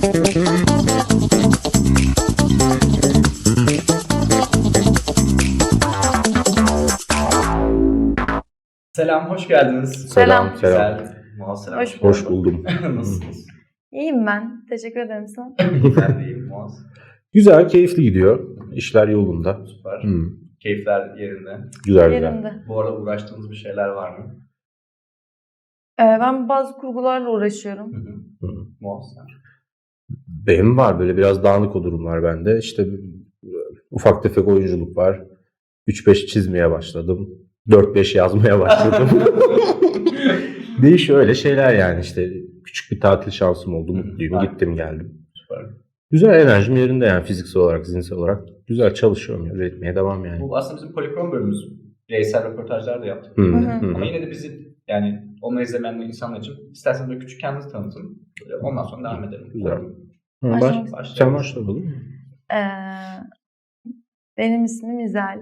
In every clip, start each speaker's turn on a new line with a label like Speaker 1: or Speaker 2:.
Speaker 1: Selam, hoş geldiniz.
Speaker 2: Selam.
Speaker 1: Güzel. Muaz selam.
Speaker 2: Hoş
Speaker 3: buldum.
Speaker 1: Nasılsınız?
Speaker 2: İyiyim ben. Teşekkür ederim sen.
Speaker 1: Ben de iyiyim Muaz.
Speaker 3: Güzel, keyifli gidiyor. İşler yolunda.
Speaker 1: Süper.
Speaker 3: Hmm.
Speaker 1: Keyifler yerinde.
Speaker 3: Güzel.
Speaker 2: Yerinde.
Speaker 1: Bu arada uğraştığınız bir şeyler var mı?
Speaker 2: Ben bazı kurgularla uğraşıyorum.
Speaker 1: Muaz sen?
Speaker 3: Benim var böyle biraz dağınık o durumlar bende. İşte ufak tefek oyunculuk var. 3-5 çizmeye başladım. 4-5 yazmaya başladım. Değişiyor öyle şeyler yani işte. Küçük bir tatil şansım oldu. Mutluyum.
Speaker 1: Harika.
Speaker 3: Gittim geldim.
Speaker 1: Süper.
Speaker 3: Güzel, enerjim yerinde yani fiziksel olarak, zihinsel olarak. Güzel çalışıyorum ya. Üretmeye devam yani.
Speaker 1: Bu aslında bizim Polikrom bölümümüz. Bireysel röportajlar da yaptık.
Speaker 3: Hı,
Speaker 2: hı.
Speaker 1: Ama yine de bizi yani onları izlemeyen insanlar için isterseniz böyle küçük kendinizi tanıtın. Ondan sonra devam edelim.
Speaker 3: Güzel.
Speaker 2: Başlamak
Speaker 3: Sen başla olur mu?
Speaker 2: Ee, Benim ismim İzel.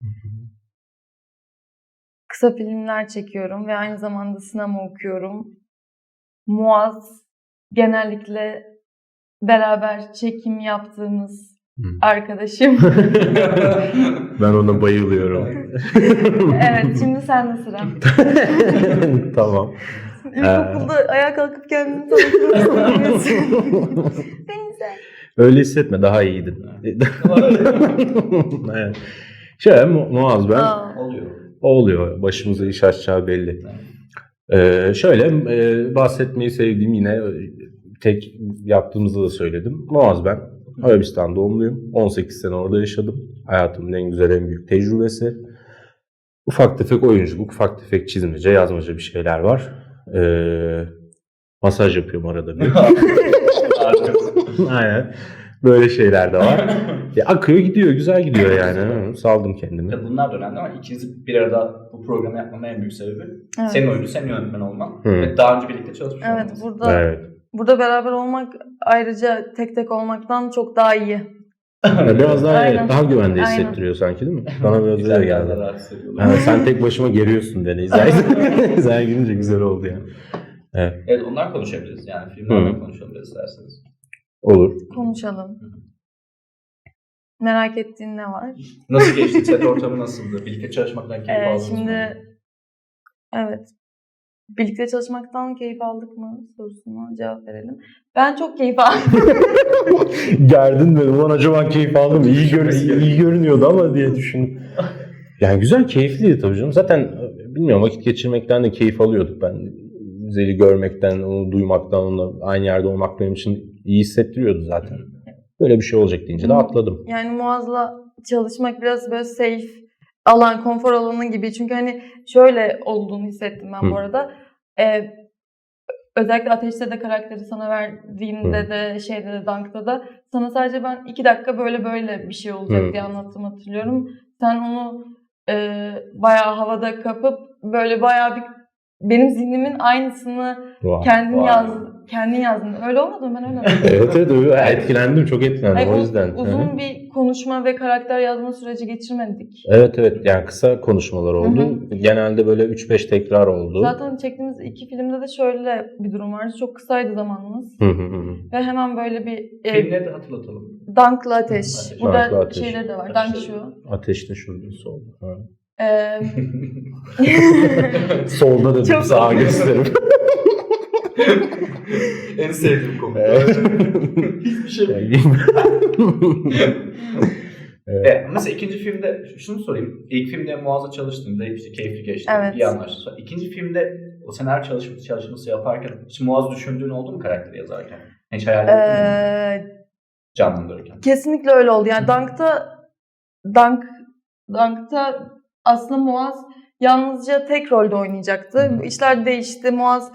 Speaker 2: Kısa filmler çekiyorum ve aynı zamanda sinema okuyorum. Muaz genellikle beraber çekim yaptığımız arkadaşım.
Speaker 3: Ben ona bayılıyorum.
Speaker 2: Evet, şimdi sende sıra.
Speaker 3: Tamam.
Speaker 2: İlkokulda ayağa kalkıp kendini tanıtmak Ben İzel.
Speaker 3: Öyle hissetme, daha iyiydin. Evet. Muaz ben.
Speaker 1: Oluyor.
Speaker 3: O oluyor. Başımıza iş açacağı belli. Bahsetmeyi sevdiğim yine tek yaptığımızda da söyledim. Muaz ben. Arabistan doğumluyum. 18 sene orada yaşadım. Hayatımın en güzel, en büyük tecrübesi. Ufak tefek oyunculuk, ufak tefek çizmece, yazmaca bir şeyler var. Masaj yapıyorum arada bir. Aynen. Böyle şeyler de var. Akıyor gidiyor, güzel gidiyor yani. Saldım kendimi.
Speaker 1: Bunlar da önemli ama ikinizi bir arada bu programı yapmamın en büyük sebebi
Speaker 2: Evet.
Speaker 1: senin oyuncu, senin yönetmen olman ve daha önce birlikte çalışmış
Speaker 2: Evet,
Speaker 1: olmanız.
Speaker 2: burada beraber olmak ayrıca tek tek olmaktan çok daha iyi.
Speaker 3: Biraz daha
Speaker 2: Aynen.
Speaker 3: daha güvende
Speaker 2: Aynen.
Speaker 3: hissettiriyor sanki değil mi? Bana biraz
Speaker 1: Güzel
Speaker 3: öyle
Speaker 1: geldi.
Speaker 3: geldi.
Speaker 1: Rahat hissediyorlar.
Speaker 3: Yani sen tek başıma geriyorsun beni. İzler girince güzel oldu yani. Evet.
Speaker 1: Evet, onlar konuşabiliriz yani filmlerden konuşabiliriz isterseniz.
Speaker 3: Olur.
Speaker 2: Konuşalım. Merak ettiğin ne var?
Speaker 1: Nasıl geçti? Set ortamı nasıldı? Birlikte çalışmaktan keyif aldınız mı?
Speaker 2: Şimdi evet. Birlikte çalışmaktan keyif aldık mı sorusuna cevap verelim. Ben çok keyif aldım.
Speaker 3: Gerdin beni. Ulan acaba keyif aldım. İyi görünüyordu ama diye düşündüm. Yani güzel, keyifliydi tabii canım. Zaten bilmiyorum, vakit geçirmekten de keyif alıyorduk. Ben Zel'i görmekten, onu duymaktan, onunla aynı yerde olmak benim için iyi hissettiriyordu zaten. Böyle bir şey olacak deyince de atladım.
Speaker 2: Yani Muaz'la çalışmak biraz böyle safe alan, konfor alanı gibi. Çünkü hani şöyle olduğunu hissettim ben bu arada. Özellikle Ateş'te de karakteri sana verdiğimde de şeyde de Dunk'ta da sana sadece ben 2 dakika böyle bir şey olacak diye anlattım, hatırlıyorum. Sen onu bayağı havada kapıp böyle bayağı bir benim zihnimin aynısını kendin yazdın. Öyle olmadı mı? Ben öyle anladım.
Speaker 3: Evet, etkilendim, çok etkilendim.
Speaker 2: Hayır,
Speaker 3: o yüzden.
Speaker 2: Uzun bir konuşma ve karakter yazma süreci geçirmedik.
Speaker 3: Evet, yani kısa konuşmalar oldu. Genelde böyle 3-5 tekrar oldu.
Speaker 2: Zaten çektiğimiz 2 filmde de şöyle bir durum vardı. Çok kısaydı zamanımız. Ve hemen böyle bir
Speaker 1: Filmleri de hatırlatalım.
Speaker 2: Dunk'la Ateş. Burada
Speaker 3: Dunk'la Ateş.
Speaker 2: şeyleri de var. Dunk şu.
Speaker 3: Ateşte şurada solda. Ha.
Speaker 2: Ee,
Speaker 3: Solda dedim,
Speaker 2: Çok
Speaker 3: sağa gösterim.
Speaker 1: En sevdiğim konu. Hiçbir şey. Mesela ikinci filmde şunu sorayım. İlk filmde Muaz'la çalıştığında işte keyifli geçti.
Speaker 2: Evet.
Speaker 1: İyi anlaştık. Sonra İkinci filmde o senaryo çalışması yaparken hiç Muaz düşündüğün oldu mu karakteri yazarken? Hiç hayal ettin mi? Canlandırırken.
Speaker 2: Kesinlikle öyle oldu. Yani Dunk'ta aslında Muaz yalnızca tek rolde oynayacaktı. İşler değişti. Muaz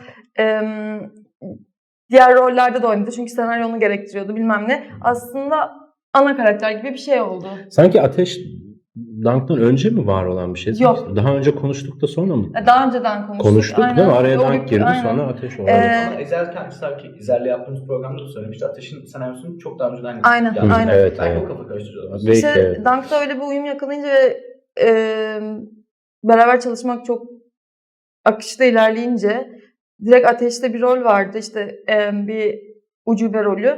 Speaker 2: diğer rollerde de oynadı. Çünkü senaryo onu gerektiriyordu, bilmem ne. Aslında ana karakter gibi bir şey oldu.
Speaker 3: Sanki Ateş Dunk'tan önce mi var olan bir şey?
Speaker 2: Yok.
Speaker 3: Daha önce konuştuk da sonra mı?
Speaker 2: Daha önceden konuştuk.
Speaker 3: Değil mi? Araya
Speaker 2: Doğru,
Speaker 3: Dunk girdi,
Speaker 2: aynen.
Speaker 3: sonra Ateş oldu.
Speaker 1: Ama Ezel sanki İzel'le yaptığımız programda da söylemişti. Ateş'in senaryosunu çok daha önceden
Speaker 2: Aynen,
Speaker 1: yazmış.
Speaker 2: aynen.
Speaker 3: Evet,
Speaker 1: Belki
Speaker 3: evet.
Speaker 1: o kafa karıştırıyorlar.
Speaker 3: Belki
Speaker 2: İşte
Speaker 3: evet.
Speaker 2: Dunk'ta öyle bir uyum yakalayınca ve beraber çalışmak çok akışta ilerleyince direkt Ateş'te bir rol vardı. İşte bir ucube rolü.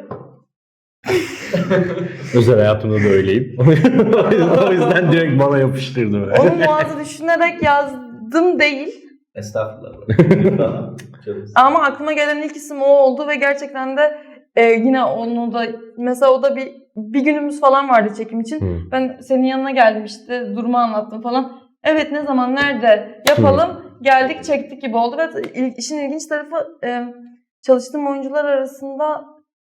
Speaker 3: Özel hayatımda da öyleyim. O yüzden direkt bana yapıştırdı böyle.
Speaker 2: Onu Muaz'ı düşünerek yazdım değil.
Speaker 1: Estağfurullah.
Speaker 2: Ama aklıma gelen ilk isim o oldu ve gerçekten de yine onu da mesela o da bir günümüz falan vardı çekim için. Ben senin yanına geldim işte durumu anlattım falan. Evet ne zaman nerede yapalım geldik çektik gibi oldu ve işin ilginç tarafı çalıştığım oyuncular arasında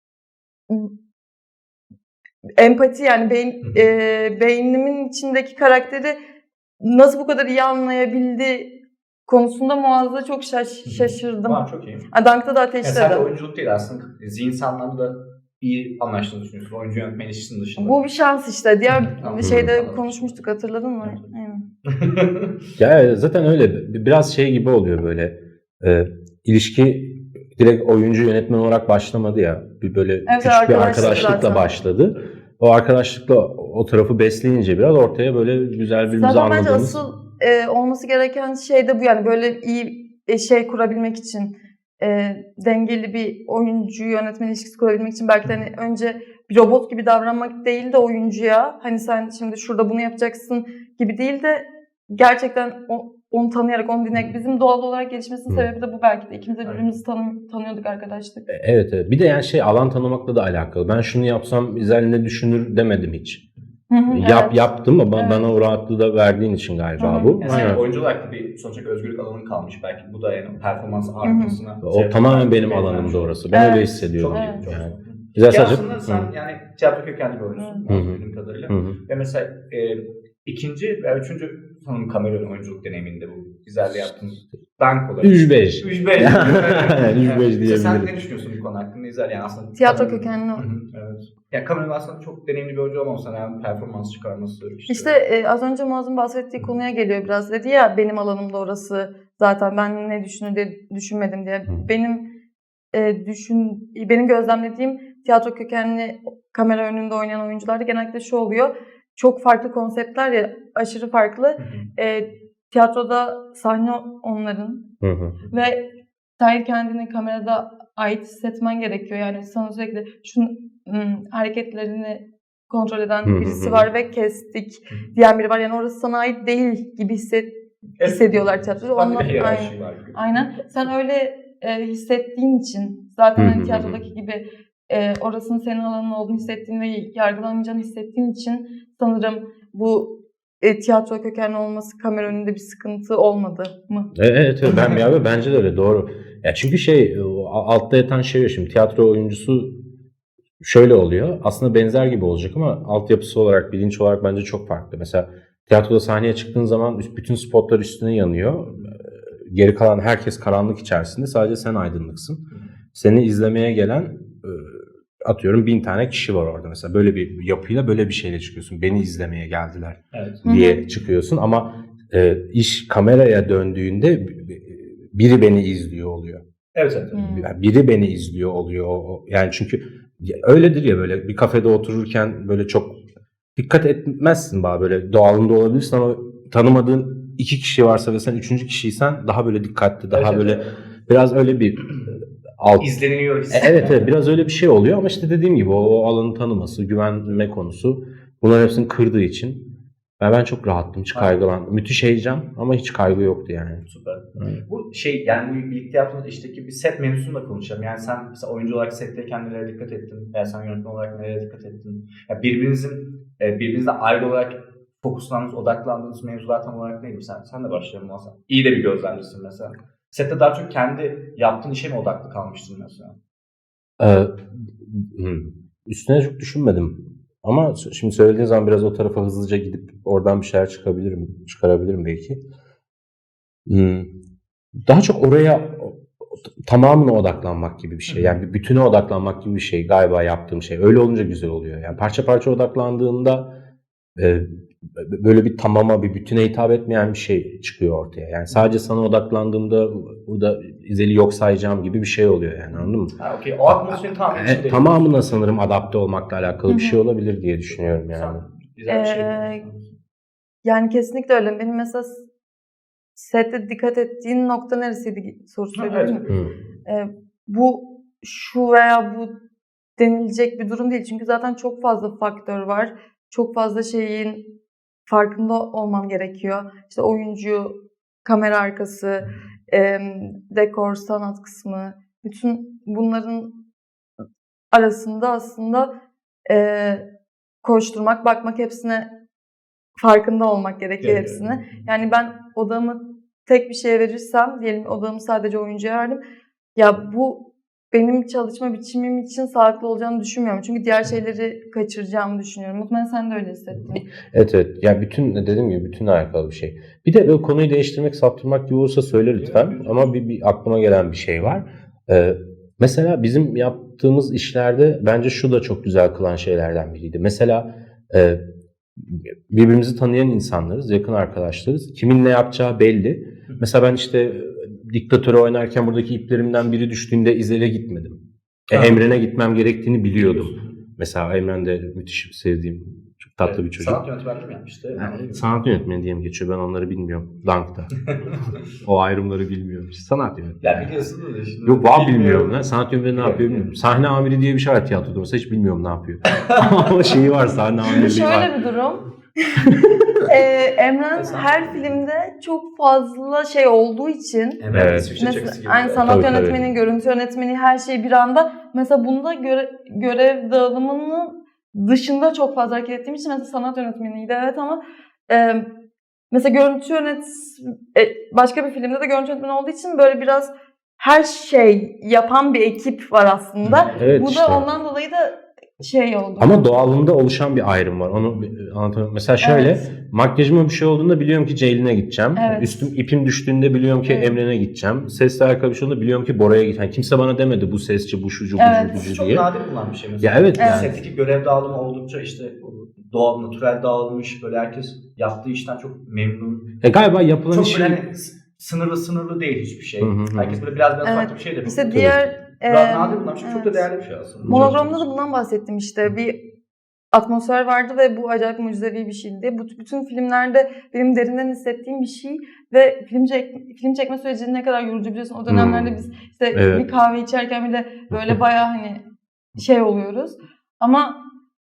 Speaker 2: empati yani beynimin içindeki karakteri nasıl bu kadar iyi anlayabildi konusunda Muazza'da çok şaşırdım.
Speaker 1: Çok iyi.
Speaker 2: Dank'ta da
Speaker 1: Yani
Speaker 2: ateşledim.
Speaker 1: sadece oyunculuk değil aslında zihinsel anlamda da iyi anlaştığını düşünüyorsun. Oyuncu yönetmen ilişkisinin dışında.
Speaker 2: Bu bir şans işte. Diğer şeyde
Speaker 1: Anladım.
Speaker 2: konuşmuştuk hatırladın mı? Aynen.
Speaker 3: Ya zaten öyle. Biraz şey gibi oluyor böyle. İlişki direkt oyuncu yönetmen olarak başlamadı ya. Böyle küçük bir arkadaşlıkla
Speaker 2: zaten
Speaker 3: başladı. O arkadaşlıkla o tarafı besleyince biraz ortaya böyle güzel birbirimizi
Speaker 2: zaten bence
Speaker 3: anladığımız.
Speaker 2: asıl olması gereken şey de bu yani böyle iyi şey kurabilmek için dengeli bir oyuncu yönetmen ilişkisi kurabilmek için belki de hani önce bir robot gibi davranmak değil de oyuncuya hani sen şimdi şurada bunu yapacaksın gibi değil de gerçekten onu tanıyarak onu dinleyerek bizim doğal olarak gelişmesinin sebebi de bu belki de ikimiz de birbirimizi tanıyorduk arkadaşlık.
Speaker 3: Evet. Bir de yani alan tanımakla da alakalı. Ben şunu yapsam İzel ne düşünür demedim hiç. Yaptım ama bana o rahatlığı da verdiğin için galiba bu.
Speaker 1: Yani sen oyuncu olarak da bir sonuçta özgürlük alanın kalmış belki. Bu da yani performans artmasına.
Speaker 3: O tamamen benim alanımda orası. Ben öyle hissediyorum.
Speaker 1: Çok iyi.
Speaker 3: Yani. Güzel sadece.
Speaker 1: Aslında sen yani tiyatro kökenli bir oyuncusun. Bildiğim kadarıyla. Ve mesela ikinci ve üçüncü sanırım kamera oyunculuk deneyiminde bu güzelliği yaptığınız dank olarak.
Speaker 3: 3-5.
Speaker 1: 3-5
Speaker 3: diyebilirim.
Speaker 1: Sen ne düşünüyorsun bu konu hakkında? İzel yani aslında.
Speaker 2: Tiyatro kökenli.
Speaker 1: Evet. Yani kameranın aslında çok deneyimli bir oyuncu olmasa yani performans çıkarması.
Speaker 2: İşte az önce Muazz'ın bahsettiği konuya geliyor biraz. Dedi ya benim alanımda orası zaten ben ne düşünür diye düşünmedim diye. Benim gözlemlediğim tiyatro kökenli kamera önünde oynayan oyuncularda genellikle şu oluyor. Çok farklı konseptler ya aşırı farklı. Tiyatroda sahne onların ve sen kendini kamerada ait hissetmen gerekiyor. Yani sana sürekli hareketlerini kontrol eden birisi var ve kestik diyen biri var. Yani orası sana ait değil gibi hissediyorlar tiyatroda. Aynen. Sen öyle hissettiğin için zaten hani tiyatrodaki gibi orasının senin alanın olduğunu hissettiğin ve yargılanmayacağını hissettiğin için sanırım bu tiyatro kökenli olması kamera önünde bir sıkıntı olmadı mı?
Speaker 3: Evet. Bence de öyle doğru. Ya çünkü altta yatan şey şimdi tiyatro oyuncusu şöyle oluyor. Aslında benzer gibi olacak ama altyapısı olarak, bilinç olarak bence çok farklı. Mesela tiyatroda sahneye çıktığın zaman bütün spotlar üstüne yanıyor. Geri kalan herkes karanlık içerisinde. Sadece sen aydınlıksın. Seni izlemeye gelen atıyorum 1000 tane kişi var orada. Mesela böyle bir yapıyla böyle bir şeyle çıkıyorsun. Beni izlemeye geldiler diye çıkıyorsun. Ama iş kameraya döndüğünde biri beni izliyor oluyor.
Speaker 1: Evet.
Speaker 3: Yani biri beni izliyor oluyor. Yani çünkü öyledir ya böyle bir kafede otururken böyle çok dikkat etmezsin böyle doğalında olabilirsin ama tanımadığın 2 kişi varsa ve sen 3. kişiysen daha böyle dikkatli, daha böyle biraz öyle bir
Speaker 1: izleniliyor.
Speaker 3: Evet biraz öyle bir şey oluyor ama işte dediğim gibi o alanı tanıması, güvenme konusu bunların hepsini kırdığı için ben çok rahattım, hiç kaygılandım. Müthiş heyecan ama hiç kaygı yoktu yani.
Speaker 1: Süper. Bu yani birlikte yaptığınız işteki bir set mevzusunu da konuşalım. Yani sen mesela oyuncu olarak setteyken nelere dikkat ettin? Veya sen yönetmen olarak nelere dikkat ettin? Yani birbirinizle ayrı olarak fokuslandığınız, odaklandığınız mevzular tam olarak neydi? Sen de başlayalım aslında. İyi de bir gözlemcisin mesela. Sette daha çok kendi yaptığın işe mi odaklı kalmıştın mesela?
Speaker 3: Üstüne çok düşünmedim. Ama şimdi söylediğin zaman biraz o tarafa hızlıca gidip oradan bir şeyler çıkarabilirim belki. Daha çok oraya tamamına odaklanmak gibi bir şey. Yani bir bütüne odaklanmak gibi bir şey galiba yaptığım şey. Öyle olunca güzel oluyor. Yani parça parça odaklandığında böyle bir tamama, bir bütüne hitap etmeyen bir şey çıkıyor ortaya. Yani sadece sana odaklandığımda burada İzel'i yok sayacağım gibi bir şey oluyor yani, anladın mı?
Speaker 1: Okay. O atmosferin
Speaker 3: tamamına sanırım adapte olmakla alakalı bir şey olabilir diye düşünüyorum yani.
Speaker 1: Güzel bir şey.
Speaker 2: Yani kesinlikle öyle. Benim mesela sette dikkat ettiğin nokta neresiydi sorusu söyleyeyim mi? Bu şu veya bu denilecek bir durum değil. Çünkü zaten çok fazla faktör var. Çok fazla şeyin farkında olmam gerekiyor. İşte oyuncu, kamera arkası, dekor, sanat kısmı. Bütün bunların arasında aslında koşturmak, bakmak, hepsine farkında olmak gerekiyor hepsine. Yani ben odamı tek bir şeye verirsem, diyelim odamı sadece oyuncuya verdim. Ya bu benim çalışma biçimim için sağlıklı olacağını düşünmüyorum. Çünkü diğer şeyleri kaçıracağımı düşünüyorum. Muhtemelen sen de öyle hissettin.
Speaker 3: Evet evet. Ya bütün dediğim gibi bütün alakalı bir şey. Bir de böyle konuyu değiştirmek, saptırmak gibi olursa söyle lütfen. Ama bir aklıma gelen bir şey var. Mesela bizim yaptığımız işlerde bence şu da çok güzel kılan şeylerden biriydi. Mesela birbirimizi tanıyan insanlarız, yakın arkadaşlarız. Kimin ne yapacağı belli. Mesela ben işte Diktatörü oynarken buradaki iplerimden biri düştüğünde İzel'e gitmedim. Emren'e gitmem gerektiğini biliyordum. Mesela Emren de müthiş sevdiğim, çok tatlı bir çocuk.
Speaker 1: Sanat yönetmenliği mi yapmıştı?
Speaker 3: Yani, sanat yönetmeni diye mi geçiyor? Ben onları bilmiyorum. Dunk'ta. O ayrımları bilmiyorum. Sanat yönetmeni.
Speaker 1: Ya biliyorsun da şimdi.
Speaker 3: Yok valla bilmiyorum. Lan. Sanat yönetmeni ne yapıyor bilmiyorum. Sahne amiri diye bir şey var tiyatroda. Mesela hiç bilmiyorum ne yapıyor. Ama şeyi var, sahne amirliği var.
Speaker 2: Şöyle bir durum. Emren her filmde çok fazla şey olduğu için
Speaker 1: Evet.
Speaker 2: mesela aynı sanat
Speaker 3: Tabii,
Speaker 2: yönetmeni, görüntü yönetmeni, her şey bir anda. Mesela bunda görev dağılımının dışında çok fazla hareket ettiğim için mesela sanat yönetmeniydi evet ama mesela başka bir filmde de görüntü yönetmeni olduğu için böyle biraz her şey yapan bir ekip var aslında.
Speaker 3: Evet,
Speaker 2: Bu
Speaker 3: işte.
Speaker 2: da ondan dolayı da şey oldu.
Speaker 3: Ama doğalında oluşan bir ayrım var. Onu anlatamıyorum. Mesela şöyle,
Speaker 2: Evet.
Speaker 3: makyajıma bir şey olduğunda biliyorum ki Ceylin'e gideceğim.
Speaker 2: Evet.
Speaker 3: İpim düştüğünde biliyorum ki
Speaker 2: Evet.
Speaker 3: Emre'ne gideceğim. Sesle alakalı bir şey olduğunda biliyorum ki Bora'ya gideceğim. Yani kimse bana demedi bu sesçi, bu şucu,
Speaker 2: Evet.
Speaker 3: bu şucu
Speaker 1: Çok
Speaker 3: diye.
Speaker 1: nadir bulunan bir şey mesela.
Speaker 3: Ya evet.
Speaker 2: Evet.
Speaker 1: Setteki görev dağılımı oldukça işte doğal, natürel dağılmış. Böyle herkes yaptığı işten çok memnun.
Speaker 3: Galiba yapılan
Speaker 1: Çok
Speaker 3: işi...
Speaker 1: böyle hani sınırlı değil hiçbir şey.
Speaker 3: Hı hı.
Speaker 1: Herkes böyle biraz
Speaker 2: Evet.
Speaker 1: farklı bir şey de yapıyor.
Speaker 2: İşte diğer
Speaker 1: Nadir bulunan bir şey. Çok da
Speaker 2: evet.
Speaker 1: değerli bir şey aslında.
Speaker 2: Monogram'da da bundan bahsettim işte. Bir atmosfer vardı ve bu acayip mucizevi bir şeydi. Bütün filmlerde benim derinden hissettiğim bir şey ve film çekme sürecinin ne kadar yorucu biliyorsun. O dönemlerde biz işte
Speaker 3: Evet.
Speaker 2: bir kahve içerken bile böyle bayağı hani şey oluyoruz. Ama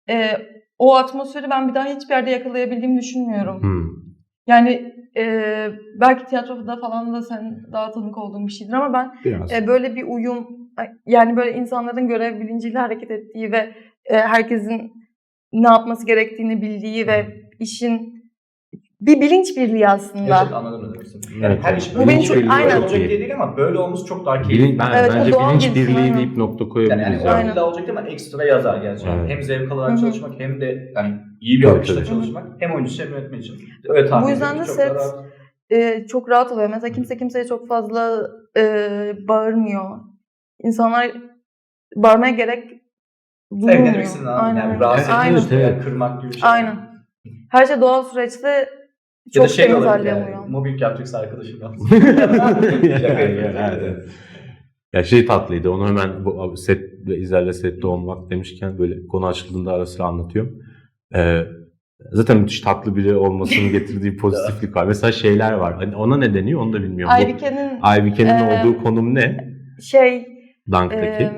Speaker 2: o atmosferi ben bir daha hiçbir yerde yakalayabildiğimi düşünmüyorum. Yani belki tiyatroda falan da sen daha tanık olduğun bir şeydir ama ben
Speaker 3: Biraz.
Speaker 2: böyle bir uyum, yani böyle insanların görev bilinciyle hareket ettiği ve herkesin ne yapması gerektiğini bildiği ve işin bir bilinç birliği aslında.
Speaker 1: Gerçekten anladım ne demek istediğini. Yani
Speaker 3: Evet,
Speaker 1: her
Speaker 3: evet.
Speaker 1: iş
Speaker 2: Bu
Speaker 1: böyle
Speaker 2: benim
Speaker 1: olacak,
Speaker 2: çok-
Speaker 1: böyle
Speaker 2: aynen.
Speaker 1: olacak diye değil ama böyle olması çok daha keyifli.
Speaker 2: Evet,
Speaker 3: Bence
Speaker 2: o doğal
Speaker 3: bilinç
Speaker 2: gelişim,
Speaker 3: birliği
Speaker 2: aynen.
Speaker 3: deyip nokta
Speaker 1: Yani
Speaker 3: koyabiliriz.
Speaker 1: o
Speaker 2: Aynen.
Speaker 1: illa olacak değil ama ekstra yazar gerçekten.
Speaker 3: Evet.
Speaker 1: Hem zevk alarak
Speaker 2: Hı hı.
Speaker 1: çalışmak hem de yani iyi bir
Speaker 3: Tabii,
Speaker 1: akışta
Speaker 3: tabii.
Speaker 1: çalışmak hem oyuncu hem yönetmen için. Öyle tahmin
Speaker 2: Bu yüzden
Speaker 1: ediyorum
Speaker 2: de
Speaker 1: ki çok
Speaker 2: set
Speaker 1: daha rahat.
Speaker 2: çok rahat oluyor. Mesela kimse kimseye çok fazla bağırmıyor. İnsanlar bağırmaya gerek duymuyor.
Speaker 1: Evet ne demek istediğini anladım.
Speaker 2: Aynen.
Speaker 1: Yani rahatsız
Speaker 2: Aynen.
Speaker 1: etmek,
Speaker 3: Evet,
Speaker 1: yani
Speaker 3: evet.
Speaker 1: kırmak gibi bir şey.
Speaker 2: Aynen. Her şey doğal süreçte
Speaker 1: Ya
Speaker 2: çok
Speaker 1: da şey
Speaker 2: temiz
Speaker 1: olabilir
Speaker 2: halloluyor.
Speaker 1: yani. Mobbing yapacaksa arkadaşım yapsın.
Speaker 3: Ya, evet. Ya şey tatlıydı. Onu hemen bu İzel'le sette olmak demişken böyle konu açıldığında ara sıra anlatıyorum. Zaten müthiş tatlı biri olmasının getirdiği pozitiflik var. Mesela şeyler var. Hani ona ne deniyor onu da bilmiyorum. Aybike'nin olduğu konum ne? Dunk'taki.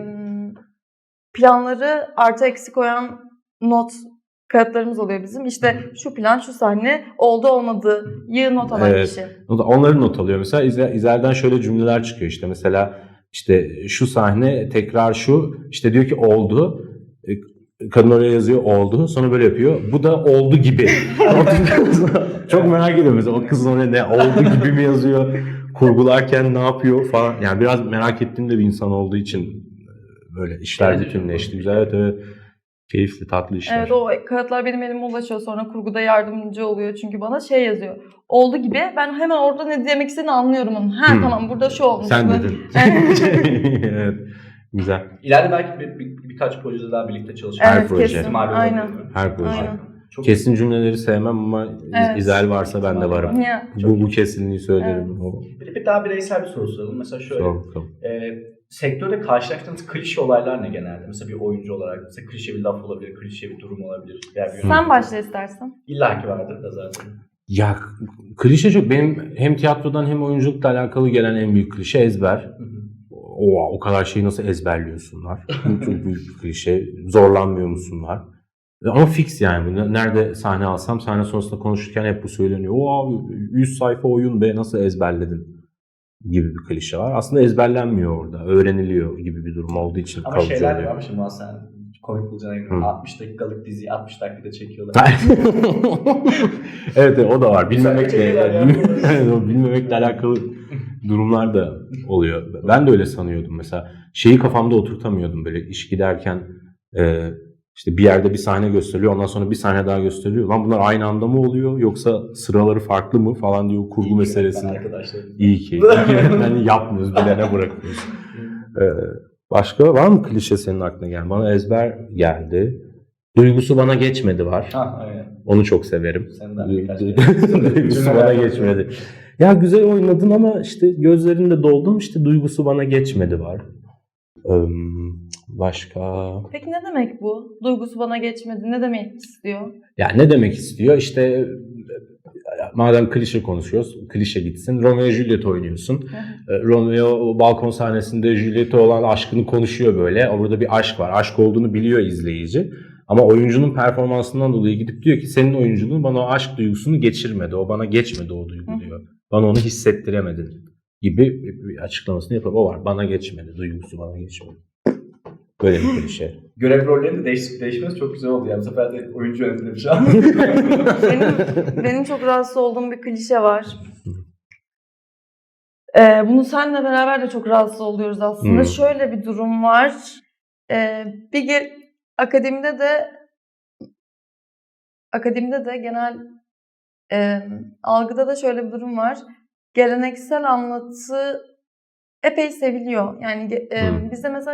Speaker 2: Planları artı eksi koyan not kağıtlarımız oluyor bizim. İşte şu plan, şu sahne oldu olmadığı not alan
Speaker 3: Evet.
Speaker 2: kişi.
Speaker 3: Onları not alıyor. Mesela İzel'den şöyle cümleler çıkıyor işte. Mesela işte şu sahne tekrar şu. İşte diyor ki oldu. Kadın oraya yazıyor oldu. Sonra böyle yapıyor. Bu da oldu gibi. Çok merak ediyorum mesela o kız oraya ne oldu gibi mi yazıyor? Kurgularken ne yapıyor falan. Yani biraz merak ettiğim de bir insan olduğu için böyle işler
Speaker 1: Evet,
Speaker 3: bütünleşti. Güzel evet. Keyifli, tatlı işler.
Speaker 2: Evet o kağıtlar benim elime ulaşıyor. Sonra kurguda yardımcı oluyor. Çünkü bana şey yazıyor. Oldu gibi. Ben hemen orada ne demek istediğini anlıyorum onun. Tamam burada şu olmuş.
Speaker 3: Sen dedin. Evet. Güzel.
Speaker 1: İleride belki birkaç projede daha birlikte çalışmak.
Speaker 3: Her
Speaker 2: Evet
Speaker 3: proje.
Speaker 2: kesin.
Speaker 1: ihtimali
Speaker 2: Aynen.
Speaker 1: olabilir.
Speaker 3: Her proje.
Speaker 2: Aynen.
Speaker 1: Çok
Speaker 3: Kesin cümleleri sevmem ama
Speaker 2: Evet.
Speaker 3: İzel varsa ben de varım.
Speaker 2: Ya.
Speaker 3: Bu kesinliği söylerim.
Speaker 1: Bir daha bireysel bir soru soralım. Mesela şöyle.
Speaker 3: Çok.
Speaker 1: Sektörde karşılaştığınız klişe olaylar ne genelde? Mesela bir oyuncu olarak mesela klişe bir laf olabilir, klişe bir durum olabilir.
Speaker 2: Sen başla istersen.
Speaker 1: İlla ki vardır da zaten.
Speaker 3: Ya klişe çok. Benim hem tiyatrodan hem oyunculukla alakalı gelen en büyük klişe ezber. o kadar şeyi nasıl ezberliyorsunlar? Bu çok büyük bir klişe. Zorlanmıyor musunlar? Ama fix yani. Nerede sahne alsam sahne sonrasında konuşurken hep bu söyleniyor. O 100 sayfa oyun be nasıl ezberledin? Gibi bir klişe var. Aslında ezberlenmiyor orada. Öğreniliyor gibi bir durum olduğu için
Speaker 1: Ama
Speaker 3: kalıcı
Speaker 1: şeyler
Speaker 3: oluyor.
Speaker 1: var şimdi sen komik bulacağına
Speaker 3: Hı.
Speaker 1: eminim. 60 dakikalık diziyi 60 dakikada çekiyorlar.
Speaker 3: Evet, o da var.
Speaker 1: Çekiyorlar ya.
Speaker 3: Bilmemekle alakalı durumlar da oluyor. Ben de öyle sanıyordum mesela. Şeyi kafamda oturtamıyordum böyle iş giderken işte bir yerde bir sahne gösteriliyor, ondan sonra bir sahne daha gösteriliyor. Lan bunlar aynı anda mı oluyor yoksa sıraları farklı mı falan diye o kurgu meselesini. İyi ki. Yani yapmıyoruz, bilene bırakıyoruz. Başka var mı klişe senin aklına gelen? Bana ezber geldi. Duygusu bana geçmedi var.
Speaker 1: Ha, aynen.
Speaker 3: Onu çok severim.
Speaker 1: Duygusu
Speaker 3: bana geçmedi. Ya güzel oynadın ama işte gözlerinde doldum, işte duygusu bana geçmedi var. Başka?
Speaker 2: Peki ne demek bu? Duygusu bana geçmedi. Ne demek istiyor?
Speaker 3: Ya ne demek istiyor? İşte madem klişe konuşuyoruz, klişe gitsin. Romeo Juliet oynuyorsun. Romeo balkon sahnesinde Juliet'e olan aşkını konuşuyor böyle. Orada bir aşk var. Aşk olduğunu biliyor izleyici. Ama oyuncunun performansından dolayı gidip diyor ki senin oyunculuğun bana o aşk duygusunu geçirmedi. O bana geçmedi o duygu diyor. Bana onu hissettiremedin gibi bir açıklamasını yapıyor. O var. Bana geçmedi. Duygusu bana geçmedi. Böyle bir klişe.
Speaker 1: Görev rollerinin de değişmesi çok güzel oldu yani. Bu sefer de oyuncu yönetimde bir şey
Speaker 2: Benim çok rahatsız olduğum bir klişe var. Bunu seninle beraber de çok rahatsız oluyoruz aslında. Şöyle bir durum var. Akademide de genel algıda da şöyle bir durum var. Geleneksel anlatı epey seviliyor. Yani bizde mesela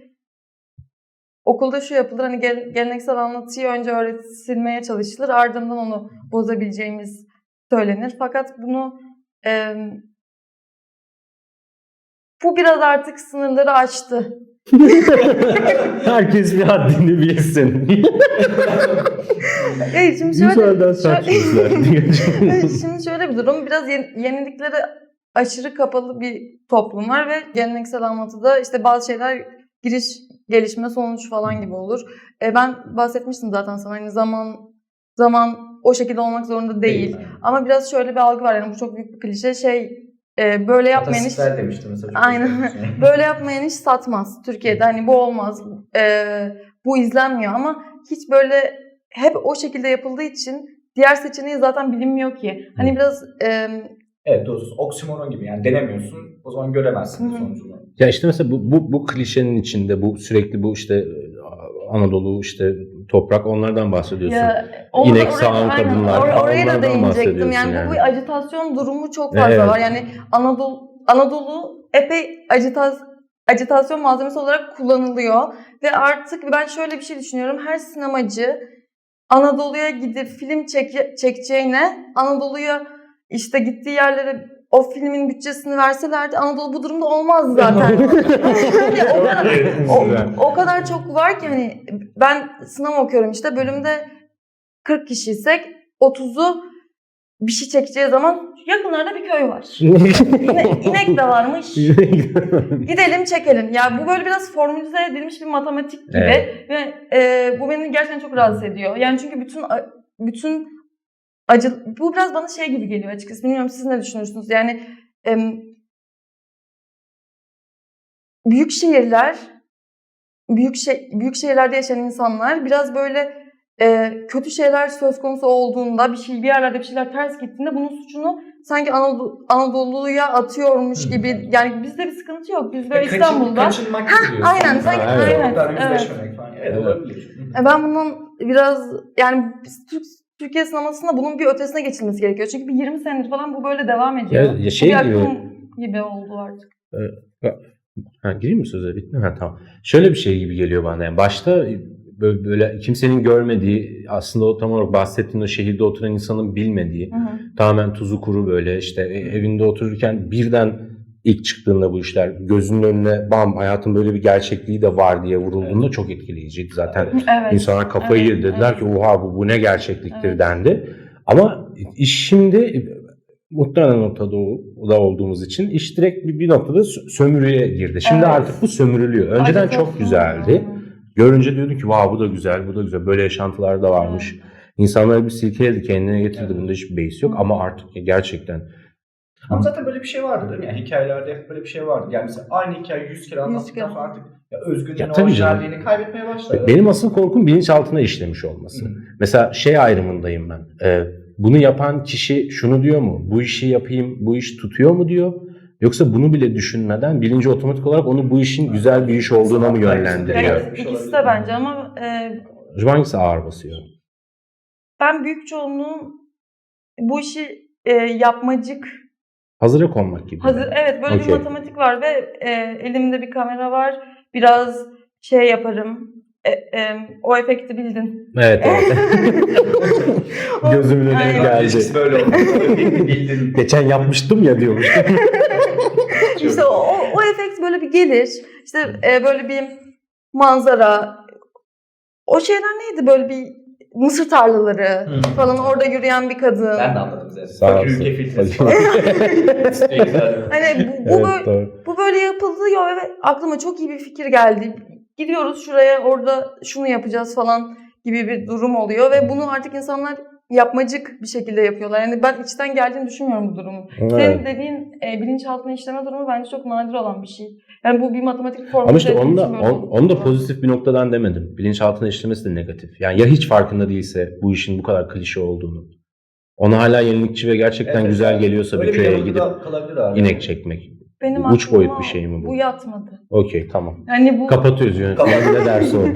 Speaker 2: okulda şu yapılır, hani geleneksel anlatıyı önce öğretilmeye çalışılır, ardından onu bozabileceğimiz söylenir. Fakat bu biraz artık sınırları aştı.
Speaker 3: Herkes bir haddini bilsin.
Speaker 2: Evet, şimdi şöyle bir durum. Biraz yeniliklere aşırı kapalı bir toplum var ve geleneksel anlatıda işte bazı şeyler giriş, gelişme, sonuç falan gibi olur. Ben bahsetmiştim zaten sana, hani zaman o şekilde olmak zorunda değil. Ama biraz şöyle bir algı var, yani bu çok büyük bir klişe. Böyle yapmayan iş... Aynen. Böyle yapmayan iş satmaz. Türkiye'de hani bu olmaz. Bu izlenmiyor ama hiç böyle hep o şekilde yapıldığı için diğer seçeneği zaten bilinmiyor ki. Hani biraz...
Speaker 1: Evet, doğrusu oksimoron gibi yani denemiyorsun, o zaman göremezsin sonucunu.
Speaker 3: Ya işte mesela bu klişenin içinde bu sürekli bu işte Anadolu işte toprak onlardan bahsediyorsun. İnek sağan kadınlar
Speaker 2: oraya da değinecektim. Yani bu bir ajitasyon durumu çok fazla var. Yani Anadolu epey ajitasyon malzemesi olarak kullanılıyor ve artık ben şöyle bir şey düşünüyorum. Her sinemacı Anadolu'ya gidip film çekeceğine Anadolu'ya işte gittiği yerlere o filmin bütçesini verselerdi Anadolu bu durumda olmazdı zaten. o kadar çok var ki hani ben sinema okuyorum işte bölümde 40 kişiysek 30'u bir şey çekeceği zaman yakınlarda bir köy var. İnek de varmış. Gidelim çekelim. Ya bu böyle biraz formülize edilmiş bir matematik gibi ve bu beni gerçekten çok rahatsız ediyor. Yani çünkü bütün bu biraz bana gibi geliyor açıkçası. Bilmiyorum siz ne düşünürsünüz? Yani büyük şehirlerde yaşayan insanlar biraz böyle kötü şeyler söz konusu olduğunda bir yerlerde bir şeyler ters gittiğinde bunun suçunu sanki Anadolu'ya atıyormuş gibi. Yani bizde bir sıkıntı yok. Biz böyle İstanbul'da.
Speaker 1: Kaçınmak gibi.
Speaker 2: Aynen. Sanki aynen.
Speaker 1: Evet, olabilir.
Speaker 2: Ben bundan biraz yani Türkiye sinemasında bunun bir ötesine geçilmesi gerekiyor. Çünkü bir 20 senedir falan bu böyle devam ediyor.
Speaker 3: Ya
Speaker 2: gibi oldu artık.
Speaker 3: Gireyim mi söze? Bitti mi? Tamam. Şöyle bir şey gibi geliyor bana. Yani başta böyle kimsenin görmediği, aslında o tam olarak bahsettiğin o şehirde oturan insanın bilmediği, tamamen tuzu kuru böyle işte evinde otururken birden ilk çıktığında bu işler gözünün önüne hayatın böyle bir gerçekliği de var diye vurulduğunda çok etkileyiciydi. Zaten insanlar kafayı yedi. Dediler ki oha bu ne gerçekliktir dendi. Ama iş şimdi muhtemelen Orta Doğu'da olduğumuz için iş direkt bir noktada sömürüye girdi. Şimdi
Speaker 2: Evet.
Speaker 3: artık bu sömürülüyor. Önceden
Speaker 2: Acı
Speaker 3: çok
Speaker 2: tatlı.
Speaker 3: güzeldi. Görünce diyordun ki vav bu da güzel, bu da güzel. Böyle yaşantılar da varmış. İnsanları bir silkeledi, kendine getirdi. Bunda hiçbir beis yok. Ama artık gerçekten
Speaker 1: Ama zaten böyle bir şey vardı değil mi? Yani hikayelerde hep böyle bir şey vardı. Yani mesela aynı hikayeyi 100 kere anlattıktan sonra artık özgünlüğünü,
Speaker 3: Ya tabii canım.
Speaker 1: orijinalliğini kaybetmeye başladı.
Speaker 3: benim asıl korkum bilinçaltına işlemiş olması. Mesela şey ayrımındayım ben. Bunu yapan kişi şunu diyor mu? Bu işi yapayım, bu iş tutuyor mu diyor? Yoksa bunu bile düşünmeden bilinci otomatik olarak onu bu işin güzel bir iş olduğuna mı yönlendiriyor?
Speaker 2: Evet, ikisi de bence ama
Speaker 3: Acaba hangisi ağır basıyor?
Speaker 2: ben büyük çoğunluğun bu işi yapmacık,
Speaker 3: Hazıra konmak gibi.
Speaker 2: evet böyle bir
Speaker 3: Okey.
Speaker 2: matematik var ve elimde bir kamera var. Biraz şey yaparım. O efekti bildin.
Speaker 3: Evet. Gözümün önüne
Speaker 2: Aynen.
Speaker 3: geldi.
Speaker 1: İlişkisi böyle oldu. Bildin.
Speaker 3: Geçen yapmıştım ya diyormuş.
Speaker 2: İşte o efekt böyle bir gelir. İşte böyle bir manzara. O şeyler neydi? Böyle bir mısır tarlaları falan, orada yürüyen bir kadın.
Speaker 1: Ben de anladım zaten.
Speaker 3: Sağ
Speaker 1: Fakir
Speaker 3: olsun.
Speaker 1: ülke filtresi
Speaker 3: Fakir.
Speaker 1: falan.
Speaker 2: Hani bu,
Speaker 3: Evet,
Speaker 2: böyle,
Speaker 3: doğru.
Speaker 2: bu böyle yapılıyor ve aklıma çok iyi bir fikir geldi. Gidiyoruz şuraya, orada şunu yapacağız falan gibi bir durum oluyor ve bunu artık insanlar yapmacık bir şekilde yapıyorlar. Yani ben içten geldiğini düşünmüyorum bu durumun.
Speaker 3: Evet.
Speaker 2: Senin dediğin bilinçaltına işleme durumu bence çok nadir olan bir şey. Yani bu bir matematik formülü.
Speaker 3: Ama işte
Speaker 2: dediğim
Speaker 3: onu
Speaker 2: için
Speaker 3: da,
Speaker 2: böyle
Speaker 3: onu da pozitif bir noktadan demedim. Bilinçaltına işlemesi de negatif. Yani ya hiç farkında değilse bu işin bu kadar klişe olduğunu. Ona hala yenilikçi ve gerçekten
Speaker 1: Evet,
Speaker 3: güzel
Speaker 1: yani
Speaker 3: geliyorsa
Speaker 1: öyle
Speaker 3: bir köye
Speaker 1: yanılgı
Speaker 3: gidip
Speaker 1: da kalabilir abi.
Speaker 3: inek çekmek.
Speaker 2: Benim
Speaker 3: Uç
Speaker 2: aklıma
Speaker 3: boyut bir şey mi bu?
Speaker 2: Bu yatmadı.
Speaker 3: Okey, tamam.
Speaker 2: Yani bu
Speaker 3: Kapatıyoruz yönetmenim ne derse o.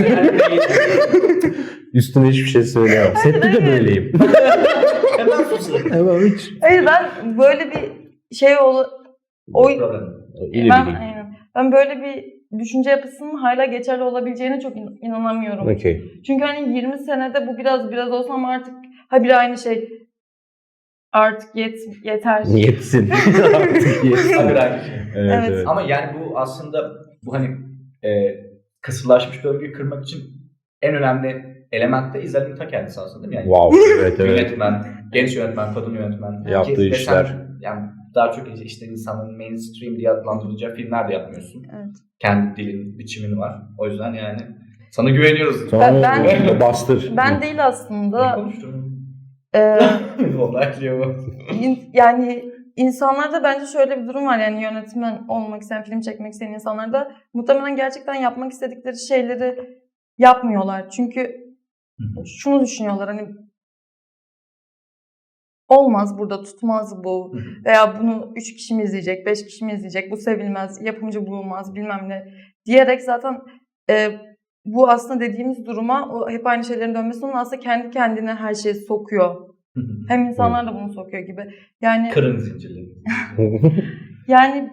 Speaker 3: Üstüne hiçbir şey söyleyemem. Sette de böyleyim.
Speaker 1: Hemen susun.
Speaker 3: Hemen hiç.
Speaker 2: hayır, ben böyle bir şey
Speaker 1: Problem.
Speaker 3: İyi
Speaker 2: ben
Speaker 3: bileyim.
Speaker 2: aynen. Ben böyle bir düşünce yapısının hala geçerli olabileceğine çok inanamıyorum.
Speaker 3: Okey.
Speaker 2: Çünkü hani 20 senede bu biraz olsa ama artık habire aynı şey. Artık yeter.
Speaker 3: Yetsin. Artık yetsin.
Speaker 1: Tabii aynı şey.
Speaker 3: Evet,
Speaker 2: Evet.
Speaker 3: evet.
Speaker 1: Ama yani bu aslında bu hani kısırlaşmış döngüyü kırmak için en önemli element de İzel'in ta kendisi aslında değil mi? Yani
Speaker 3: Wow. Evet, evet.
Speaker 1: yönetmen, genç yönetmen, kadın yönetmen.
Speaker 3: Yaptığı
Speaker 1: Ve
Speaker 3: işler.
Speaker 1: sen, yani daha çok işte insanın mainstream diye adlandıracağı filmler de yapmıyorsun.
Speaker 2: Evet.
Speaker 1: Kendi dilin, biçimin var. O yüzden yani sana güveniyoruz.
Speaker 3: Sonra
Speaker 2: Ben-
Speaker 3: bastır.
Speaker 2: Ben değil
Speaker 1: Ne
Speaker 2: aslında.
Speaker 1: konuştun?
Speaker 2: e,
Speaker 1: Onaylıyor bu.
Speaker 2: Yani insanlarda bence şöyle bir durum var, yani yönetmen olmak isteyen, film çekmek isteyen insanlarda muhtemelen gerçekten yapmak istedikleri şeyleri yapmıyorlar. Çünkü şunu düşünüyorlar, hani olmaz burada, tutmaz bu veya bunu 3 kişi mi izleyecek, 5 kişi mi izleyecek, bu sevilmez, yapımcı bulunmaz bilmem ne diyerek zaten bu aslında dediğimiz duruma, o hep aynı şeylerin dönmesi, onun aslında kendi kendine her şeyi sokuyor. Hem insanlar da bunu sokuyor gibi. Yani
Speaker 1: Kırın zincirleri.
Speaker 2: yani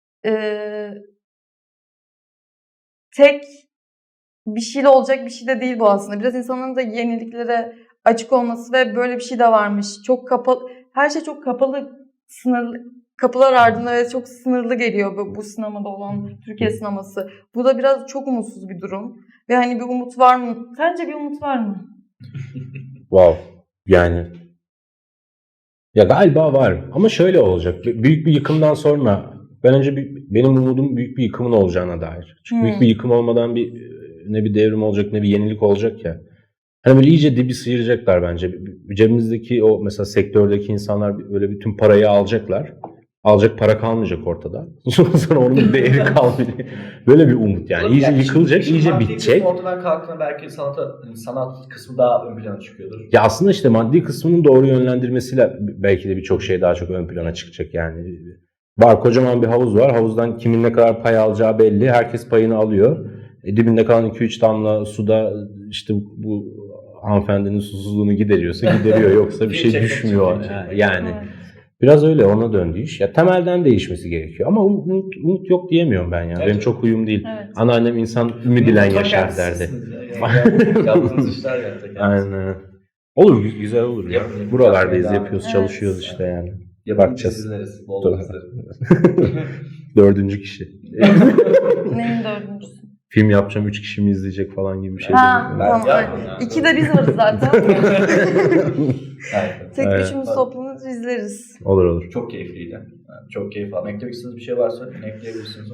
Speaker 2: tek bir şeyle olacak bir şey de değil bu aslında. Biraz insanların da yeniliklere açık olması ve böyle bir şey de varmış. Çok kapalı, her şey çok kapalı, sınırlı, kapılar ardında ve çok sınırlı geliyor bu sinemada olan Türkiye sineması. Bu da biraz çok umutsuz bir durum. Ve hani bir umut var mı? Sence bir umut var mı?
Speaker 3: Wow. Yani ya galiba var ama şöyle olacak. Büyük bir yıkımdan sonra ben önce benim umudum büyük bir yıkımın olacağına dair. Çünkü büyük bir yıkım olmadan ne bir devrim olacak ne bir yenilik olacak ya. Hani böyle iyice dibi sıyıracaklar bence. Cebimizdeki o mesela sektördeki insanlar böyle bütün parayı alacaklar. Alacak para kalmayacak ortada. Sonra onun bir değeri kalmayacak. Böyle bir umut yani. İyice yıkılacak, iyice bitecek.
Speaker 1: Ortadan kalktığında belki sanat kısmı daha ön plana çıkıyordur.
Speaker 3: Ya aslında işte maddi kısmının doğru yönlendirmesiyle belki de birçok şey daha çok ön plana çıkacak yani. Var, kocaman bir havuz var. Havuzdan kimin ne kadar pay alacağı belli. Herkes payını alıyor. Dibinde kalan 2-3 damla suda işte bu hanımefendinin susuzluğunu gideriyor. Yoksa bir şey düşmüyor. Yani
Speaker 2: Evet.
Speaker 3: biraz öyle, ona döndü iş. Ya temelden değişmesi gerekiyor. Ama umut yok diyemiyorum ben ya.
Speaker 1: Evet.
Speaker 3: Benim çok huyum değil.
Speaker 2: Evet.
Speaker 3: Anneannem insan ümidiyle yaşar derdi.
Speaker 1: Yaptığınız işler gerçekten.
Speaker 3: Aynen. Olur, güzel olur ya.
Speaker 1: Yapın.
Speaker 3: Buralardayız,
Speaker 1: Yapmaya
Speaker 3: yapıyoruz,
Speaker 2: devam.
Speaker 3: çalışıyoruz
Speaker 2: Evet.
Speaker 3: işte yani.
Speaker 1: Yapın
Speaker 3: Bakacağız.
Speaker 1: dizileriz. Bol
Speaker 3: Doğru.
Speaker 1: dizileri.
Speaker 3: 4. kişi.
Speaker 2: Neyin dördüncüsü?
Speaker 3: Film yapacağım, 3 kişi mi izleyecek falan gibi bir şey.
Speaker 2: Ha,
Speaker 1: Ben
Speaker 2: tamam.
Speaker 1: yapmam ya.
Speaker 2: İki de biz varız zaten.
Speaker 1: Evet.
Speaker 2: Tek
Speaker 3: Evet.
Speaker 2: üçümüz toplanır izleriz.
Speaker 3: Olur olur.
Speaker 1: Çok keyifliydi. Yani çok keyif aldım. Eklemek istediğiniz bir şey varsa ekleyebilirsiniz.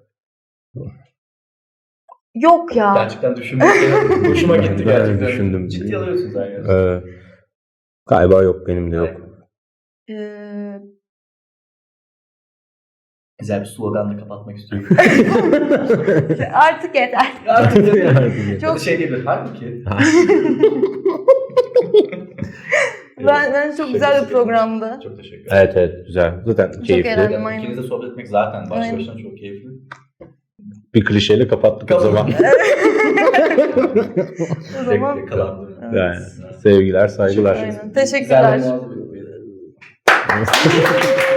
Speaker 2: Yok ya.
Speaker 1: Gerçekten düşünmek hoşuma gitti
Speaker 3: Ben
Speaker 1: gerçekten.
Speaker 3: düşündüm.
Speaker 1: Ciddi alıyorsunuz yani.
Speaker 3: Galiba yok, benim de yok.
Speaker 2: Ee,
Speaker 1: Güzel bir sloganla kapatmak istiyorum.
Speaker 2: artık yeter.
Speaker 1: Artık
Speaker 2: Çok-
Speaker 1: çok şey diyebilir. Halbuki.
Speaker 2: Ben çok güzel bir programdı.
Speaker 1: Çok teşekkür ederim.
Speaker 3: Evet evet, güzel. Zaten keyifli.
Speaker 2: eğlendim. Aynen.
Speaker 1: İkinizle sohbet etmek zaten başlı
Speaker 2: Aynen.
Speaker 1: başına çok keyifli.
Speaker 3: Bir klişeyle kapattık o zaman.
Speaker 2: O zaman
Speaker 1: Yakalandım.
Speaker 3: Yani, sevgiler, saygılar.
Speaker 2: aynen. Teşekkürler.
Speaker 1: Güzel bir muhabbet.